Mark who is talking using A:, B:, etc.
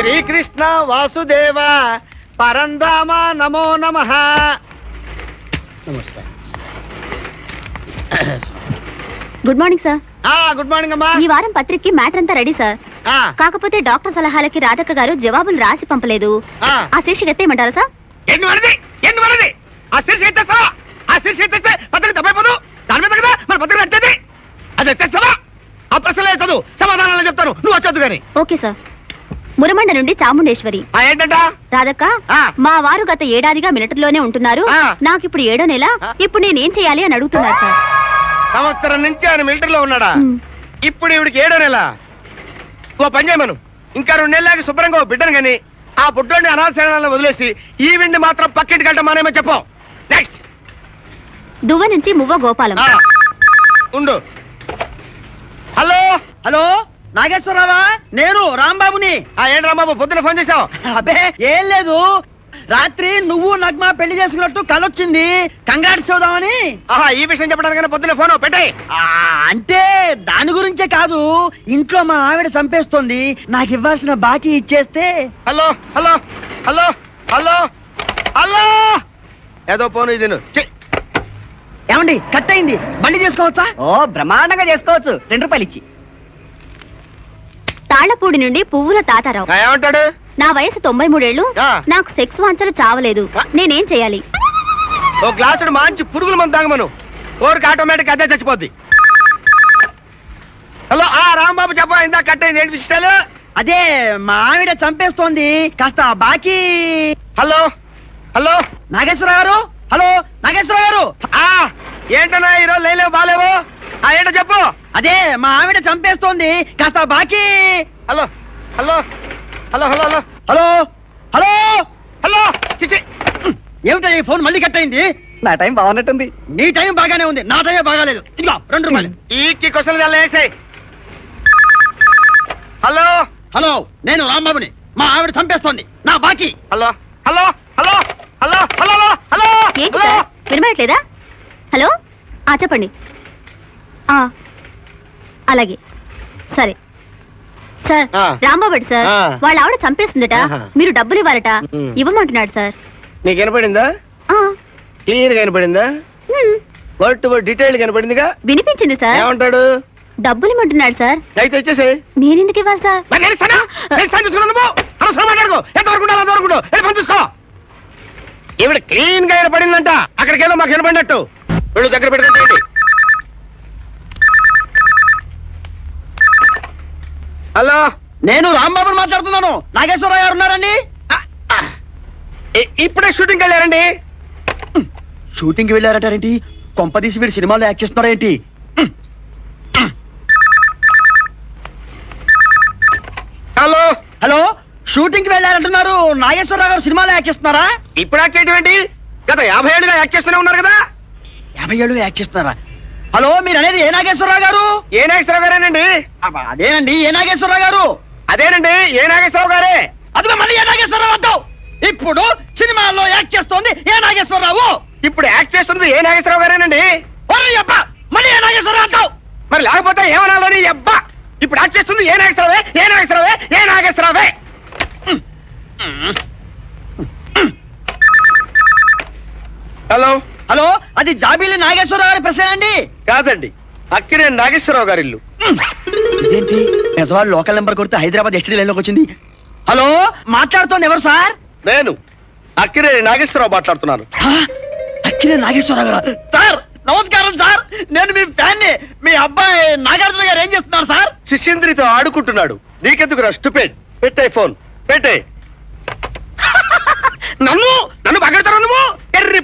A: శ్రీకృష్ణ వాసుదేవ పరంధామ నమో నమః. నమస్కారం.
B: Good morning sir.
A: Good morning అమ్మా.
B: ఈ వారం పత్రికకి మ్యాటర్ అంతా రెడీ సార్. కాకపోతే డాక్టర్ సలహాలకి రాధక్క గారు జవాబులు రాసి పంపలేదు. ఆ శీర్షిక ఎత్తేయమంటారా సార్?
A: ఆ శీర్షిక ఎత్తేస్తావా? ఆ శీర్షిక ఎత్తేస్తే పత్రిక తప్పైపోదు. దాని మీద కదా మన పత్రిక నచ్చేది. అది ఎత్తేస్తావా? ఆ ప్రశ్నలే చదువు, సమాధానాలు చెప్తాను, నువ్వు వచ్చొద్దు గాని.
B: Okay sir. మురమండ నుండి చాముండేశ్వరి.
A: ఏంటంట?
B: రాధక్క, మా వారు గత ఏడాదిగా మిలిటరీలోనే ఉంటున్నారు. నాకు ఇప్పుడు 7వ నెల. ఇప్పుడు నేనేం చేయాలి అని అడుగుతున్నారు సార్.
A: సంవత్సరం నుంచి ఆయన మిలిటరీలో ఉన్నాడా? ఇప్పుడు ఇవిడికి 7వ నెల. ఓ పని చేయమను, ఇంకా 2 నెలలకి శుభ్రంగా ఓ బిడ్డను గాని ఆ బుడ్డోని అనాథశాలను వదిలేసి ఈ విండి మాత్రం పక్కింటికి వెళ్ళటం మానేమో చెప్పు. నెక్స్ట్.
B: దువ్వ నుంచి మువ్వ గోపాలం.
A: ఉండు. హలో
C: హలో, నాగేశ్వరరావా? నేను రాంబాబుని.
A: ఏంటి రాంబాబు పొద్దున ఫోన్ చేసావు?
C: అబ్బే ఏం లేదు, రాత్రి నువ్వు నగ్మ పెళ్లి చేసుకున్నట్టు కలొచ్చింది, కంగ్రాట్స్ చెబుదామని.
A: ఈ విషయం చెప్పడానికి పొద్దున ఫోన్ పెట్టాయి.
C: అంటే దాని గురించే కాదు, ఇంట్లో మా ఆవిడ చంపేస్తోంది, నాకు ఇవ్వాల్సిన బాకీ ఇచ్చేస్తే.
A: Hello hello hello hello hello ఏదో ఫోన్ ఇది.
C: ఏమండి, కట్ అయింది, బండి చేసుకోవచ్చా? ఓ బ్రహ్మాండంగా చేసుకోవచ్చు, 2 రూపాయలు ఇచ్చి.
B: తాళ్లపూడి నుండి పువ్వుల తాతారావు.
A: ఏమంటాడు?
B: నా వయసు 93 ఏళ్ళు. నాకు సెక్స్ వాంఛలు చావలేదు. నేనేం చేయాలి?
A: ఓ గ్లాసుడు మంచి పురుగుల మందు తాగమను, ఓరికి ఆటోమేటిక్ అదే చచ్చిపోద్ది. హలో రాంబాబు చెప్ప, ఇందా కట్ అయింది, ఏంటి విషయాలు?
C: అదే మా ఆవిడ చంపేస్తోంది, కాస్త బాకీ.
A: హలో హలో
C: నాగేశ్వరరావు గారు. హలో నాగేశ్వరరావు గారు.
A: ఏంటన్నా ఈరోజు లేలేవు బాలేవు? ఏంటో చెప్పు.
C: అదే మా ఆవిడ చంపేస్తోంది, కాస్త బాకీ.
A: Hello hello hello hello hello
C: hello hello
A: hello చిచి,
C: ఏమిటో ఈ ఫోన్ మళ్ళీ కట్ అయింది?
D: నా టైం బాగున్నట్టుంది.
C: నీ టైం బాగానే ఉంది, నా టైం బాగాలేదు. ఇదిగో 2 రూపాయలు.
A: ఈ క్వశ్చన్ వేసాయి. హలో
C: హలో, నేను రాంబాబుని. మా ఆవిడ చంపేస్తోంది, నా బాకీ.
A: Hello hello hello hello hello hello
B: ఏంటి సార్, వినబడట్లేదా? హలో చెప్పండి. అలాగే సరే సార్. రాంబాబు సార్, వాళ్ళ ఆవిడ చంపేస్తుందట, మీరు డబ్బులు ఇవ్వాలట. ఇవ్వమంటున్నాడు సార్.
A: నీకు వినపడిందా? క్లియర్ గా వినపడిందా? వర్డ్ టు వర్డ్ డీటెయిల్ కనపడిందిగా.
B: వినిపించింది సార్.
A: ఏమంటాడు?
B: డబ్బులు ఇవ్వమంటున్నాడు సార్.
A: అయితే వచ్చేసి
B: నేనెందుకు ఇవ్వాలి సార్?
A: ఈవిడ క్లీన్ గా వినపడిందంట, అక్కడికేదో మాకు వినపడినట్టు. వీళ్ళు దగ్గర పెట్టుకుంటేయండి. హలో,
C: నేను రాంబాబుని మాట్లాడుతున్నాను. నాగేశ్వరరావు గారు ఉన్నారండి?
A: ఇప్పుడే షూటింగ్ వెళ్ళారండి.
C: షూటింగ్ వెళ్ళారటారేంటి? కొంపదీసి వీడు సినిమాలో యాక్ట్ చేస్తున్నారేంటి?
A: హలో
C: హలో, షూటింగ్ కి వెళ్ళారంటున్నారు, నాగేశ్వరరావు గారు సినిమాలో యాక్ట్ చేస్తున్నారా?
A: ఇప్పుడు యాక్ట్ చేయడం ఏంటి? గత 50 ఏళ్ళుగా యాక్ట్ చేస్తూనే ఉన్నారు కదా.
C: 50 ఏళ్ళు యాక్ట్ చేస్తున్నారా? హలో, మీరు అనేది ఏ నాగేశ్వరరావు గారు?
A: ఏ నాగేశ్వరరావు గారేనండి?
C: అదేనండి, ఏ నాగేశ్వరరావు గారు.
A: అదేనండి, ఏ నాగేశ్వరరావు గారే.
C: అదిగో మళ్ళీ ఏ నాగేశ్వరరావు అంటావు. ఇప్పుడు సినిమాల్లో యాక్ట్ చేస్తోంది ఏ నాగేశ్వరరావు.
A: ఇప్పుడు యాక్ట్ చేస్తుంది ఏ నాగేశ్వరరావు గారేనండి.
C: అబ్బా, మళ్ళీ ఏ నాగేశ్వరరావు అంటావు.
A: మరి లేకపోతే ఏమనాలని? అబ్బా, ఇప్పుడు యాక్ట్ చేస్తుంది ఏ నాగేశ్వరరావే, ఏ నాగేశ్వరరావే, ఏ నాగేశ్వరరావే. హలో
C: హలో, అది జాబీలి నాగేశ్వరరావు గారి ప్రశ్న అండి?
A: కాదండి, అక్కినే నాగేశ్వరరావు గారి ఇల్లు.
C: ఇదేంటి, నిజవాళ్ళు లోకల్ నెంబర్ కొడితే హైదరాబాద్ ఎస్టీ లైన్ లోకి వచ్చింది. హలో, మాట్లాడుతోంది ఎవరు సార్?
A: నేను అక్కినే నాగేశ్వరరావు మాట్లాడుతున్నాను.
C: అక్కినే నాగేశ్వరరావు గారు. సార్ నమస్కారం సార్, నేను మీ ఫ్యాన్ని. మీ అబ్బాయి నాగార్జున గారు ఏం చేస్తున్నారు సార్?
A: శిష్యంద్రితో ఆడుకుంటున్నాడు. నీకెందుకు స్టూపిడ్? పెట్టే ఫోన్ పెట్టే. నన్ను పగడతారు నువ్వు? ఎర్రి